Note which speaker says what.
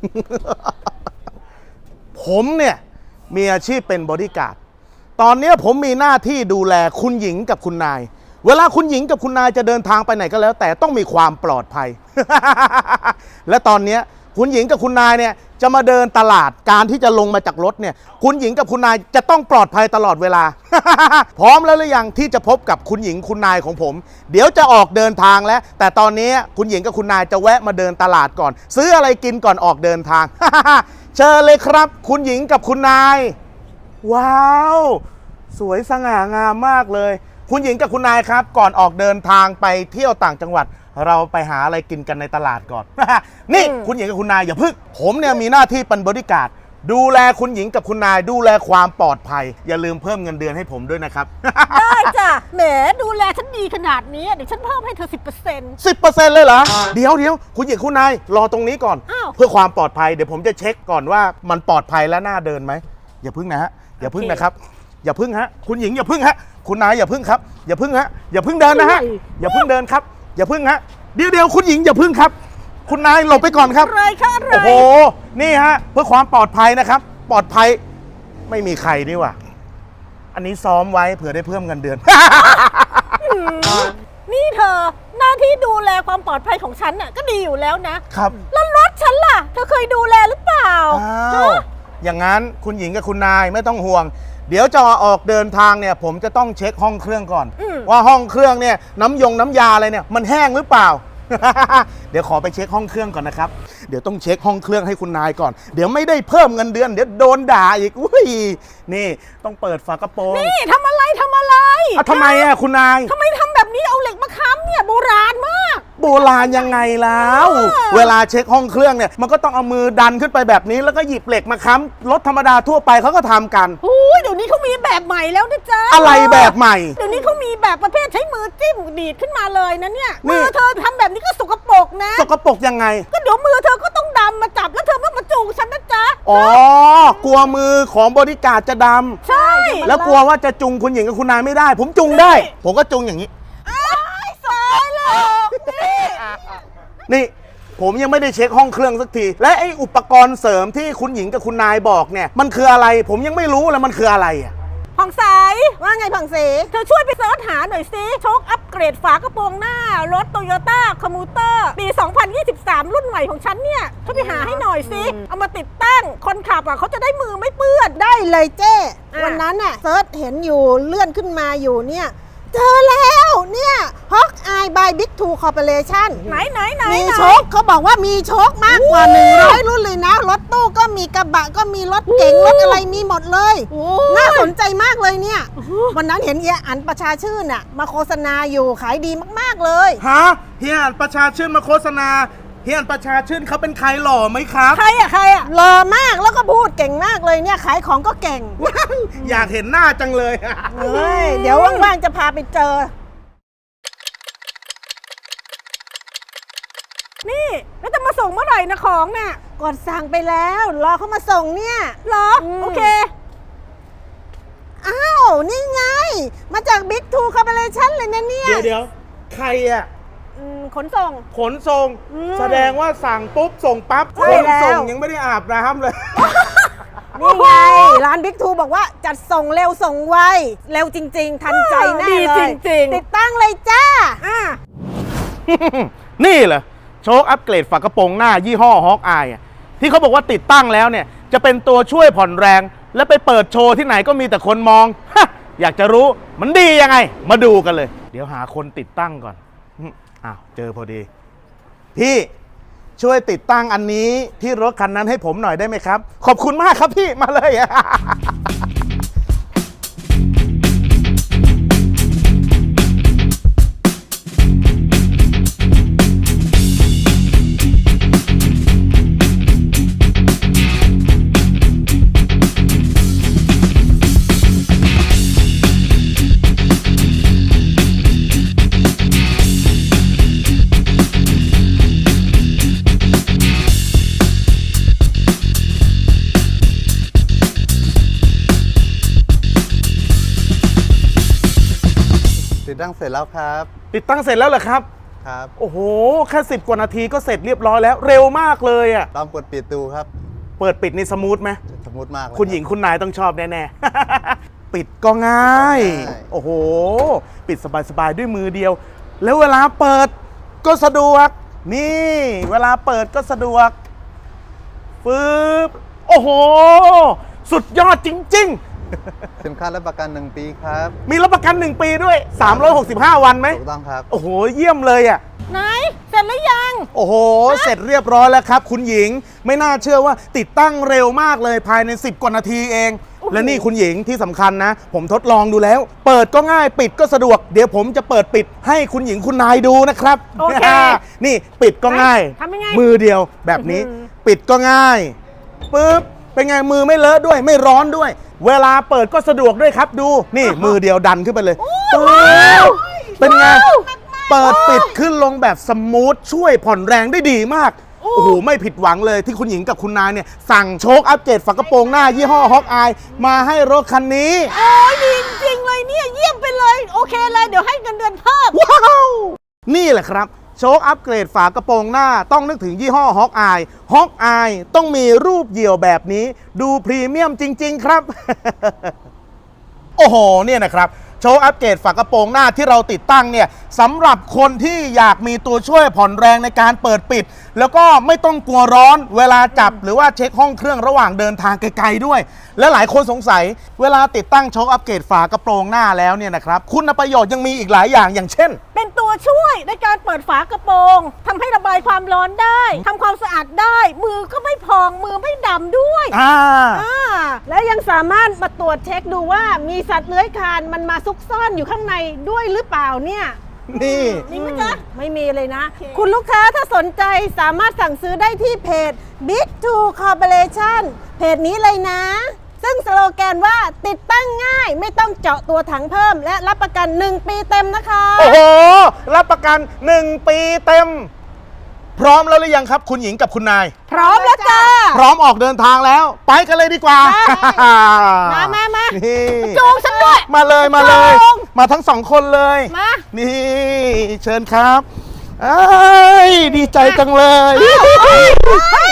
Speaker 1: ผมเนี่ยมีอาชีพเป็นบอดี้การ์ดตอนนี้ผมมีหน้าที่ดูแลคุณหญิงกับคุณนายเวลาคุณหญิงกับคุณนายจะเดินทางไปไหนก็แล้ว แต่ต้องมีความปลอดภัย และตอนนี้คุณหญิงกับคุณนายเนี่ยจะมาเดินตลาดการที่จะลงมาจากรถเนี่ยคุณหญิงกับคุณนายจะต้องปลอดภัยตลอดเวลา พร้อมแล้วหรือยังที่จะพบกับคุณหญิงคุณนายของผมเดี๋ยวจะออกเดินทางแล้วแต่ตอนนี้คุณหญิงกับคุณนายจะแวะมาเดินตลาดก่อนซื้ออะไรกินก่อนออกเดินทาง เชิญเลยครับคุณหญิงกับคุณนายว้าวสวยสง่างามมากเลยคุณหญิงกับคุณนายครับก่อนออกเดินทางไปเที่ยวต่างจังหวัดเราไปหาอะไรกินกันในตลาดก่อน นี่คุณหญิงกับคุณนายอย่าพึ่งผมเนี่ยมีหน้าที่เป็นบอดี้การ์ดดูแลคุณหญิงกับคุณนายดูแลความปลอดภัยอย่าลืมเพิ่มเงินเดือนให้ผมด้วยนะครับ
Speaker 2: ได้จ้ะแหมดูแลฉันดีขนาดนี้เดี๋ยวฉันเพิ่มให้เธอ 10%
Speaker 1: 10%เลยเหรอเดี๋ยวคุณหญิงคุณนายรอตรงนี้ก่อน
Speaker 2: อ้าว
Speaker 1: เพื่อความปลอดภัยเดี๋ยวผมจะเช็คก่อนว่ามันปลอดภัยและน่าเดินไหมอย่าพึ่งนะฮะอย่าพึ่งนะครับอย่าพึ่งฮะคุณหญิงอย่าพึ่งฮะคุณนายอย่าพึ่งครับอย่าพึ่งฮะอย่าพึ่งเดินนะฮะอย่าพึ่งเดินครับอย่าพึ่งฮะเดี๋ยวคุณหญิงอย่าพึ่งครับคุณนายหลบไปก่อนครับ
Speaker 2: อะไรคะอะไร
Speaker 1: โอ้โหนี่ฮะเพื่อความปลอดภัยนะครับปลอดภัยไม่มีใครนี่หว่าอันนี้ซ้อมไว้เผื่อได้เพิ่มเงินเดือน
Speaker 2: นี่เธอหน้าที่ดูแลความปลอดภัยของฉันน่ะก็ดีอยู่แล้วนะครับ แล้วรถฉันล่ะเธอเคยดูแลหรือเปล่า
Speaker 1: อ้าวอย่างนั้นคุณหญิงกับคุณนายไม่ต้องห่วงเดี๋ยวจะออกเดินทางเนี่ยผมจะต้องเช็คห้องเครื่องก่อนว่าห้องเครื่องเนี่ยน้ำยาอะไรเนี่ยมันแห้งหรือเปล่า เดี๋ยวขอไปเช็คห้องเครื่องก่อนนะครับเดี๋ยวต้องเช็คห้องเครื่องให้คุณนายก่อนเดี๋ยวไม่ได้เพิ่มเงินเดือนเดี๋ยวโดนด่าอีกอุ้ยนี่ต้องเปิดฝากระโปรง
Speaker 2: นี่ทำอะไร
Speaker 1: ทำไมอ่ะคุณนาย
Speaker 2: ทำไมทำแบบนี้เอาเหล็กมาค้ำเนี่ยโบราณมาก
Speaker 1: โบราณยังไงแล้วเวลาเช็คห้องเครื่องเนี่ยมันก็ต้องเอามือดันขึ้นไปแบบนี้แล้วก็หยิบเหล็กมาค้ำรถธรรมดาทั่วไปเขาก็ทำกัน
Speaker 2: เดี๋ยวนี้เขามีแบบใหม่แล้วนะจ๊ะ
Speaker 1: อะไรแบบใหม่
Speaker 2: เดี๋ยวนี้เขามีแบบประเภทใช้มือจิ้มดีดขึ้นมาเลยนะเนี่ย
Speaker 1: นี่
Speaker 2: มือเธอทำแบบนี้ก็สกปรกนะ
Speaker 1: สกปรกยังไง
Speaker 2: ก็เดี๋ยวมือเธอก็ต้องดำมาจับแล้วเธอมาจูงฉันนะจ๊ะ
Speaker 1: อ๋อกลัวมือของบริการดจะด
Speaker 2: ใช่
Speaker 1: ำแล้วกลัวว่าจะจุงคุณหญิงกับคุณนายไม่ได้ ผมจุงได้ ผมก็จุงอย่างนี้
Speaker 2: สายแล้วนี่
Speaker 1: นี่ผมยังไม่ได้เช็คห้องเครื่องสักทีและไอ้อุปกรณ์เสริมที่คุณหญิงกับคุณนายบอกเนี่ยมันคืออะไรผมยังไม่รู้เลยมันคืออะไรอ่ะ
Speaker 2: ผ่องใสว่าไงผ่องใสเธอช่วยไปเสิร์ชหาหน่อยสิโชคอัปเกรดฝากระโปรงหน้ารถโตโยต้าคอมมูเตอร์ปี 2023 รุ่นใหม่ของฉันเนี่ยช่วยไปหาให้หน่อยสิเอามาติดตั้งคนขับอ่ะเขาจะได้มือไม่เปื้อน
Speaker 3: ได้เลยเจ้
Speaker 2: อ่ะ
Speaker 3: วันนั้นน่ะเซิร์ชเห็นอยู่เลื่อนขึ้นมาอยู่เนี่ยเจอแล้วเนี่ยฮอกอายบายบิ๊กทูคอร์ปอเรชั่น
Speaker 2: ไหน
Speaker 3: มีโชคเขาบอกว่ามีโชคมากกว่า 100 รุ่นเลยนะ รถตู้ก็มีกระบะก็มีรถเก๋งรถอะไรมีหมดเลย
Speaker 2: โอ้
Speaker 3: น่าสนใจมากเลยเนี่ย วันนั้นเห็นเอียอันประชาชื่นน่ะมาโฆษณาอยู่ขายดีมากๆเลย
Speaker 1: ฮะเฮียอ่านประชาชื่นมาโฆษณาเฮียอ่านประชาชื่นเขาเป็นใครหล่อไหมครับ
Speaker 2: ใครอ่ะ
Speaker 3: หล่อมากแล้วก็พูดเก่งมากเลยเนี่ยขายของก็เก่ง
Speaker 1: อยากเห็นหน้าจังเลย
Speaker 3: เฮ้ยเดี๋ยวว่างๆจะพาไปเจอ
Speaker 2: นี่แล้วจะมาส่งเมื่อไหร่นะของน่ะ
Speaker 3: กดสั่งไปแล้วรอเขามาส่งเนี่ย
Speaker 2: เหรอโอเค
Speaker 3: อ้าว นี่ไง มาจาก Big Two Corporation เลยนะเนี่ย
Speaker 1: เดี๋ยวใครอ่ะ
Speaker 2: ขนส่ง
Speaker 1: ขนส่งแสดงว่าสั่งปุ๊บส่งปั๊บ
Speaker 3: ใช่
Speaker 1: ขนส่ง
Speaker 3: แล้ว
Speaker 1: ยังไม่ได้อาบน้ำเลย
Speaker 3: นี่ไง ร้าน Big Two บอกว่าจัดส่งเร็วส่งไว เร็วจริง ๆ ทันใจแน่
Speaker 2: ดี
Speaker 3: เลย
Speaker 2: จริงๆ
Speaker 3: ติดตั้งเลยจ้า
Speaker 1: นี่เหรอโชคอัปเกรดฝากระโปรงหน้ายี่ห้อฮอกอายที่เขาบอกว่าติดตั้งแล้วเนี่ยจะเป็นตัวช่วยผ่อนแรง และไปเปิดโชว์ที่ไหนก็มีแต่คนมอง อยากจะรู้มันดียังไง มาดูกันเลย เดี๋ยวหาคนติดตั้งก่อนอ้าวเจอพอดี พี่ช่วยติดตั้งอันนี้ที่รถคันนั้นให้ผมหน่อยได้ไหมครับ ขอบคุณมากครับพี่มาเลย
Speaker 4: ติดตั้งเสร็จแล้วครับ
Speaker 1: ติดตั้งเสร็จแล้วเหรอครับ
Speaker 4: ครับ
Speaker 1: โอ้โห แค่10 กว่านาทีก็เสร็จเรียบร้อยแล้วเร็วมากเลยอ่ะ
Speaker 4: ลองกดปิดดูครับ
Speaker 1: เปิดปิดนี่สมูทไหม
Speaker 4: สมูทมากเลย
Speaker 1: คุณหญิงคุณนายต้องชอบแน่ๆ ปิดก็ง่าย
Speaker 4: ง่าย
Speaker 1: โอ้โห ปิดสบายๆด้วยมือเดียว แล้วเวลาเปิดก็สะดวก นี่ เวลาเปิดก็สะดวกปึ๊บโอ้โห สุดยอดจริง
Speaker 4: สินค้ารับประกัน1 ปีครับ
Speaker 1: ๆ มีรับประกัน 1 ปีด้วย 365 วันไหม
Speaker 4: ถูกต้องครับ
Speaker 1: โอ้โห เยี่ยมเลยอ่ะ
Speaker 2: ไหนเสร็จหรือยัง
Speaker 1: โอ้โห เสร็จเรียบร้อยแล้วครับ คุณหญิง ไม่น่าเชื่อว่าติดตั้งเร็วมากเลยภายใน 10 กว่านาทีเอง และนี่คุณหญิงที่สำคัญนะ ผมทดลองดูแล้ว เปิดก็ง่ายปิดก็สะดวก เดี๋ยวผมจะเปิดปิดให้คุณหญิงคุณนายดูนะครับ
Speaker 2: โอเค
Speaker 1: นี่ปิดก็ง่าย
Speaker 2: ทำยังไง
Speaker 1: มือเดียวแบบนี้
Speaker 2: อื้อหือ
Speaker 1: ปิดก็ง่ายปึ๊บเป็นไงมือไม่เลอะด้วยไม่ร้อนด้วย เวลาเปิดก็สะดวกด้วยครับดูนี่มือเดียวดันขึ้นไปเลยปึ๊บเป็นไง เปิดปิดขึ้นลงแบบสมูทช่วยผ่อนแรงได้ดีมาก โอ้โห ไม่ผิดหวังเลยที่คุณหญิงกับคุณนายเนี่ย สั่งโชคอัปเกรดฝากระโปรงหน้ายี่ห้อฮอกอายมาให้รถคันนี้
Speaker 2: โอ้ยดีจริงๆเลยเนี่ยเยี่ยมไปเลย โอเคเลยเดี๋ยวให้เงินเดือนเพิ่ม
Speaker 1: ว้าว นี่แหละครับ โชคอัปเกรดฝากระโปรงหน้าต้องนึกถึงยี่ห้อฮอกอายฮอกอายต้องมีรูปเหยี่ยวแบบนี้ดูพรีเมียมจริง ๆ ครับ โอ้โห เนี่ยนะครับ โชว์อัปเกรดฝากระโปรงหน้าที่เราติดตั้งเนี่ยสำหรับคนที่อยากมีตัวช่วยผ่อนแรงในการเปิดปิด แล้วก็ไม่ต้องกลัวร้อนเวลาจับหรือว่าเช็คห้องเครื่องระหว่างเดินทางไกลๆด้วย และหลายคนสงสัยเวลาติดตั้งโชว์อัปเกรดฝากระโปรงหน้าแล้วเนี่ยนะครับคุณประโยชน์ยังมีอีกหลายอย่างอย่างเช่น
Speaker 2: เป็นตัวช่วยในการเปิดฝากระโปรงทำให้ระบายความร้อนได้ทำความสะอาดได้ มือก็ไม่พองมือไม่ดำด้วย และยังสามารถมาตรวจเช็คดูว่ามีสัตว์เลื้อยคลานมันมาซุกซ่อนอยู่ข้างในด้วยหรือเปล่าเนี่ย
Speaker 1: นี่
Speaker 2: มีไหมจ๊ะไม่มีเลยนะ คุณลูกค้าถ้าสนใจสามารถสั่งซื้อได้ที่เพจ Big Two Corporation เพจนี้เลยนะ ซึ่งสโลแกนว่าติดตั้งง่ายไม่ต้องเจาะตัวถังเพิ่ม และรับประกัน 1 ปีเต็มนะคะ
Speaker 1: โอ้โห รับประกัน 1 ปีเต็ม พร้อมแล้วหรือยังครับ คุณหญิงกับคุณนาย
Speaker 2: พร้อมแล้วจ้า
Speaker 1: พร้อมออกเดินทางแล้ว ไปกันเลยดีกว่า
Speaker 2: มา
Speaker 1: นี่
Speaker 2: จูงฉันด้วย
Speaker 1: มาเลยมาเลย
Speaker 2: จูง
Speaker 1: มาทั้ง2 คนเลย
Speaker 2: มา
Speaker 1: นี่เชิญครับเอ้ยดีใจจังเลย
Speaker 2: เฮ้ย